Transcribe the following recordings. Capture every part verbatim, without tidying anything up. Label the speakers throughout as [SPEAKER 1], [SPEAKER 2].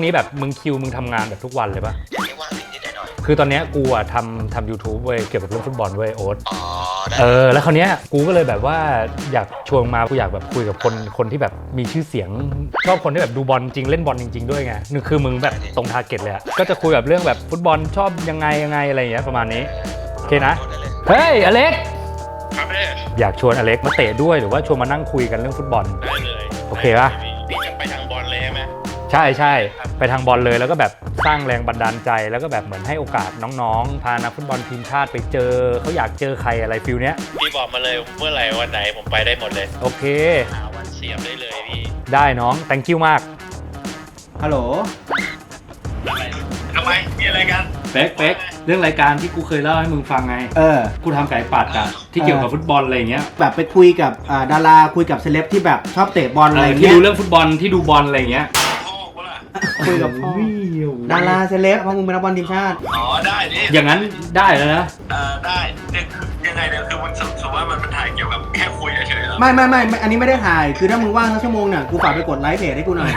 [SPEAKER 1] นี้แบบมึงคิวมึงทำงานแบบทุกวันเลยปะ
[SPEAKER 2] ไม่ว่างนิดหน่อย
[SPEAKER 1] คือตอนเนี้ยกูอะทำทำยูทูบเว้ยเกี่ยวกับเรื่องฟุตบอลเว้ยโอ๊ต
[SPEAKER 2] อ๋อ
[SPEAKER 1] เออแล้วคราวเนี้ยกูก็เลยแบบว่าอยากชวนมากูอยากแบบคุยกับคนคนที่แบบมีชื่อเสียงชอบคนที่แบบดูบอลจริงเล่นบอลจริงๆด้วยไงนึกคือมึงแบบตรงทาร์เก็ตเลยอะก็จะคุยแบบเรื่องแบบฟุตบอลชอบยังไงยังไงอะไรอย่างเงี้ยประมาณนี้โอเคนะเฮ้ยอเล็ก
[SPEAKER 3] ครับพี่
[SPEAKER 1] อยากชวนอเล็กมาเตะด้วยหรือว่าชวนมานั่งคุยกันเรื่องฟุตบอล
[SPEAKER 3] ได้เลย
[SPEAKER 1] โอเคป่ะ
[SPEAKER 3] พี่จะไปทางบอลเลยใช่ไหม
[SPEAKER 1] ใช่ใช่ไปทางบอลเลยแล้วก็แบบสร้างแรงบันดาลใจแล้วก็แบบเหมือนให้โอกาสน้องๆพานักฟุตบอลทีมชาติไปเจอเขาอยากเจอใครอะไรฟิลเนี้ย
[SPEAKER 3] พี่บอกมาเลยเมื่อไหร่วันไหนผมไปได้หมดเลย
[SPEAKER 1] โอเค
[SPEAKER 3] หาวันเสียบได้เลยพี่
[SPEAKER 1] ได้น้อง thank you มาก
[SPEAKER 4] ฮัลโหล
[SPEAKER 3] อะไรทำไมมีอะไรกัน
[SPEAKER 1] เป๊กเป๊กเรื่องรายการที่กูเคยเล่าให้มึงฟังไง
[SPEAKER 4] เออ
[SPEAKER 1] กูทำไก่ปัดอะที่เกี่ยวกับฟุตบอลอะไรเงี้ย
[SPEAKER 4] แบบไปคุยกับดาราคุยกับเซเลบที่แบบชอบเตะบอลอะไรเงี้ย
[SPEAKER 1] ที่ดูเรื่องฟุตบอลที่ดูบอลอะไรเงี้ย
[SPEAKER 4] คุยกับพ่อดาราเซเลบเพราะมึงเป็นนักบอลทีมชาติ
[SPEAKER 3] อ๋อได้ดิ
[SPEAKER 1] อย่างนั้นได้แล้วนะ
[SPEAKER 3] เออได้เนี่ยคือยังไงเนี่ยคือมันสมมติว่ามันเป็นถ่ายเกี่ยวกับแค่คุยเฉยๆหรอ
[SPEAKER 4] ไม่ไม่ไม่อันนี้ไม่ได้ถ่ายคือถ้ามึงว่างสักชั่วโมงเนี่ยกูฝากไปกดไลค์เพจให้กูหน่อย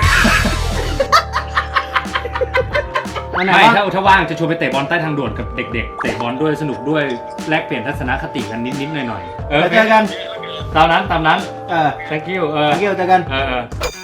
[SPEAKER 1] ไม่ถ้าถ้าว่างจะชวนไปเตะบอลใต้ทางด่วนกับเด็กๆเตะบอลด้วยสนุกด้วยแลกเปลี่ยนทัศนคติกันนิดๆหน่อยๆ
[SPEAKER 4] เออเจอกัน
[SPEAKER 1] ตามนั้นตามนั้น
[SPEAKER 4] เออ
[SPEAKER 1] thank you เออ
[SPEAKER 4] thank you เจอกัน
[SPEAKER 1] เออ